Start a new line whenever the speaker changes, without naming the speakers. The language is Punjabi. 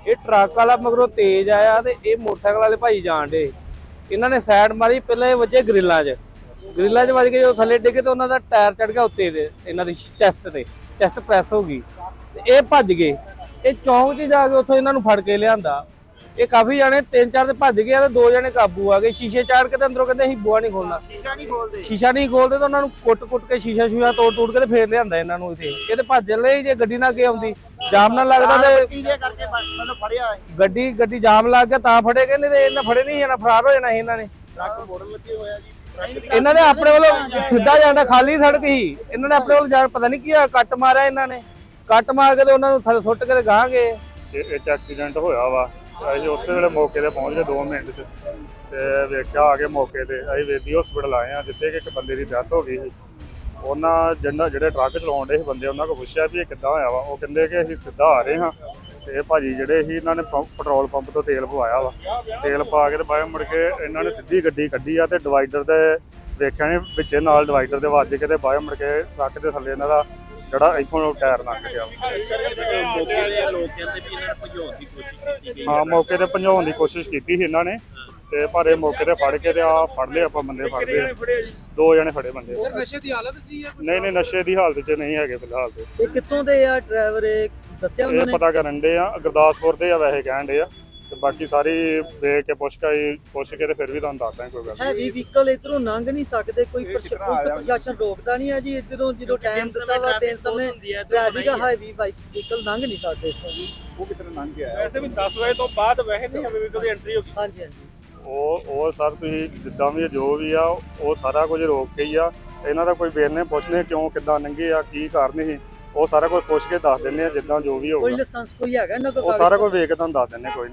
ਇਹ ਟਰੱਕ ਵਾਲਾ ਮਗਰੋਂ ਤੇਜ਼ ਆਇਆ ਤੇ ਇਹ ਮੋਟਰਸਾਈਕਲ ਵਾਲੇ ਭਾਈ ਜਾਣ ਡੇ। ਇਹਨਾਂ ਨੇ ਸਾਈਡ ਮਾਰੀ, ਪਹਿਲਾਂ ਇਹ ਵੱਜੇ ਗ੍ਰਿਲਾਂ 'ਚ ਵੱਜ ਕੇ ਜਦੋਂ ਥੱਲੇ ਡਿੱਗੇ ਤੇ ਉਹਨਾਂ ਦਾ ਟਾਇਰ ਚੜ ਗਿਆ ਉੱਤੇ ਦੇ, ਇਹਨਾਂ ਦੀ ਚੈਸਟ ਤੇ, ਚੈਸਟ ਪ੍ਰੈਸ ਹੋ ਗਈ ਤੇ ਇਹ ਭੱਜ ਗਏ। ਇਹ ਚੌਂਕ 'ਚ ਜਾ ਕੇ ਉੱਥੋਂ ਇਹਨਾਂ ਨੂੰ ਫੜ ਕੇ ਲਿਆਂਦਾ। ਇਹ ਕਾਫੀ ਜਾਣੇ 3-4 ਤੇ ਭੱਜ ਗਏ ਤੇ 2 ਜਣੇ ਕਾਬੂ ਆ ਗਏ। ਸ਼ੀਸ਼ੇ ਚਾੜ ਕੇ ਤੇ ਅੰਦਰੋਂ ਕਹਿੰਦੇ ਅਸੀਂ ਬੂਹਾ ਨਹੀਂ ਖੋਲਣਾ, ਸ਼ੀਸ਼ਾ ਨਹੀਂ ਖੋਲਦੇ ਤਾਂ ਉਹਨਾਂ ਨੂੰ ਕੁੱਟ ਕੇ ਸ਼ੀਸ਼ਾ ਤੋੜ ਕੇ ਤੇ ਫੇਰ ਲਿਆਂਦਾ ਇਹਨਾਂ ਨੂੰ ਇੱਥੇ। ਇਹ ਤੇ ਭੱਜ ਲਈ, ਜੇ ਗੱਡੀ ਨਾ ਅੱਗੇ ਆਉਂਦੀ ਜਾਮ ਨਾ ਲੱਗਦਾ ਤੇ ਗੱਡੀ ਜਾਮ ਲੱਗ ਗਿਆ ਤਾਂ ਫੜੇ ਗਏ, ਨਹੀਂ ਤੇ ਇਹਨਾਂ ਫੜੇ ਨਹੀਂ ਜਾਣਾ, ਫਰਾਰ ਹੋ ਜਾਣਾ ਸੀ ਇਹਨਾਂ ਨੇ। ਇਹਨਾਂ ਨੇ ਆਪਣੇ ਵੱਲੋਂ ਸਿੱਧਾ ਜਾਣਾ, ਖਾਲੀ ਸੜਕ ਸੀ, ਇਹਨਾਂ ਨੇ ਆਪਣੇ ਵੱਲੋਂ ਜਾਣ, ਪਤਾ ਨਹੀਂ ਕੀ ਹੋਇਆ, ਕੱਟ ਮਾਰਿਆ ਇਹਨਾਂ ਨੇ। ਕੱਟ ਮਾਰ ਕੇ ਤੇ ਉਹਨਾਂ ਨੂੰ ਥੱਲੇ ਸੁੱਟ ਕੇ ਤੇ ਗਾਹ ਗਏ।
ਇੱਕ ਐਕਸੀਡੈਂਟ ਹੋਇਆ ਵਾ, ਅਸੀਂ ਉਸੇ ਵੇਲੇ ਮੌਕੇ ਤੇ ਪਹੁੰਚ ਗਏ 2 ਮਿੰਟ 'ਚ ਤੇ ਵੇਖਿਆ ਆ ਕੇ ਮੌਕੇ ਤੇ। ਅਸੀਂ ਵੇਦੀ ਹਸਪੀਟਲ ਆਏ ਆ ਜਿੱਥੇ ਕਿ ਇੱਕ ਬੰਦੇ ਦੀ ਡੈਥ ਹੋ ਗਈ ਸੀ। ਉਹਨਾਂ ਜਿਹੜੇ ਟਰੱਕ ਚਲਾਉਣ ਦੇ ਸੀ ਬੰਦੇ, ਉਹਨਾਂ ਕੋਲ ਪੁੱਛਿਆ ਵੀ ਇਹ ਕਿੱਦਾਂ ਹੋਇਆ ਵਾ। ਉਹ ਕਹਿੰਦੇ ਕਿ ਅਸੀਂ ਸਿੱਧਾ ਆ ਰਹੇ ਹਾਂ ਤੇ ਇਹ ਭਾਜੀ ਜਿਹੜੇ ਸੀ ਇਹਨਾਂ ਨੇ ਪੈਟਰੋਲ ਪੰਪ ਤੋਂ ਤੇਲ ਪਵਾਇਆ ਵਾ। ਤੇਲ ਪਾ ਕੇ ਤੇ ਬਾਅਦ ਮੁੜ ਕੇ ਇਹਨਾਂ ਨੇ ਸਿੱਧੀ ਗੱਡੀ ਕੱਢੀ ਆ ਤੇ ਡਿਵਾਈਡਰ ਦੇ ਵੇਖਿਆ ਨੇ ਵਿੱਚੇ ਨਾਲ ਡਿਵਾਈਡਰ ਦੇ ਵੱਜ ਕੇ ਤੇ ਬਾਅਦ ਮੁੜ ਕੇ ਟਰੱਕ ਦੇ ਥੱਲੇ ਇਹਨਾਂ ਦਾ ਜਿਹੜਾ ਇੱਥੋਂ ਟਾਇਰ ਲੰਘ ਗਿਆ। ਹਾਂ, ਮੌਕੇ ਤੇ ਭਜਾਉਣ ਦੀ ਕੋਸ਼ਿਸ਼ ਕੀਤੀ ਸੀ ਇਹਨਾਂ ਨੇ ਤੇ ਪਰ ਇਹ ਮੌਕੇ ਤੇ ਫੜ ਕੇ ਤੇ ਫੜ ਲਏ ਆਪਾਂ, ਬੰਦੇ ਫੜ ਲਏ। 2 ਜਣੇ ਫੜੇ ਬੰਦੇ।
ਸਰ ਨਸ਼ੇ ਦੀ ਹਾਲਤ ਜੀ ਹੈ?
ਨਹੀਂ ਨਸ਼ੇ ਦੀ ਹਾਲਤ 'ਚ ਨਹੀਂ ਹੈਗੇ ਫਿਲਹਾਲ ਤੇ।
ਇਹ ਕਿੱਥੋਂ ਦੇ ਆ ਡਰਾਈਵਰ, ਇਹ ਦੱਸਿਆ ਉਹਨਾਂ
ਇਹ
ਨੇ?
ਪਤਾ ਕਰਨ ਦੇ ਆ, ਗੁਰਦਾਸਪੁਰ ਦੇ ਆ ਵੈਸੇ ਕਹਿਣ ਦੇ ਆ ਤੇ ਬਾਕੀ ਸਾਰੀ ਵੇਖ ਕੇ ਪੁੱਛ ਕੇ ਤੇ ਫਿਰ ਵੀ ਤੁਹਾਨੂੰ ਦੱਸਦਾ ਕੋਈ ਗੱਲ।
ਹੈਵੀ ਵਹੀਕਲ ਇਧਰੋਂ ਲੰਘ ਨਹੀਂ ਸਕਦੇ, ਕੋਈ ਪ੍ਰਸ਼ਾਸਨ ਰੋਕਦਾ ਨਹੀਂ ਹੈ ਜੀ ਇਧਰੋਂ? ਜਦੋਂ ਟਾਈਮ ਦਿੱਤਾ ਵਾ 3 ਸਮੇਂ ਟ੍ਰੈਫਿਕ ਹੈਵੀ ਵਹੀਕਲ ਲੰਘ ਨਹੀਂ ਸਕਦੇ ਇੱਥੋਂ ਜੀ।
ਉਹ ਕਿਤਨੇ ਲੰਘ ਗਿਆ? ਵੈਸੇ ਵੀ 10 ਵਜੇ ਤੋਂ ਬਾਅਦ ਵੈਸੇ ਨਹੀਂ ਹੈਵੀ ਵਹੀਕਲ ਦੀ ਐਂਟਰੀ ਹੋਗੀ।
ਹਾਂਜੀ ਹਾਂਜੀ,
ਉਹ ਸਰ ਤੁਸੀਂ ਜਿੱਦਾਂ ਵੀ ਜੋ ਵੀ ਆ ਉਹ ਸਾਰਾ ਕੁਝ ਰੋਕ ਕੇ ਹੀ ਆ। ਇਹਨਾਂ ਦਾ ਕੋਈ ਵੇਰਨੇ ਪੁੱਛਨੇ ਕਿਉਂ ਕਿੱਦਾਂ ਲੰਘੇ ਆ, ਕੀ ਕਾਰਨ ਸੀ, ਉਹ ਸਾਰਾ ਕੁਝ ਪੁੱਛ ਕੇ ਦੱਸ ਦਿੰਦੇ ਆ ਜਿੱਦਾਂ ਜੋ ਵੀ
ਕੋਈ
ਹੋਊਗਾ।
ਲਾਇਸੈਂਸ ਕੋਈ ਹੈਗਾ ਇਹਨਾਂ ਕੋਲ?
ਉਹ ਸਾਰਾ ਕੁਝ ਵੇਖ ਕੇ ਤੁਹਾਨੂੰ ਦੱਸ ਦਿੰਦੇ ਕੋਈ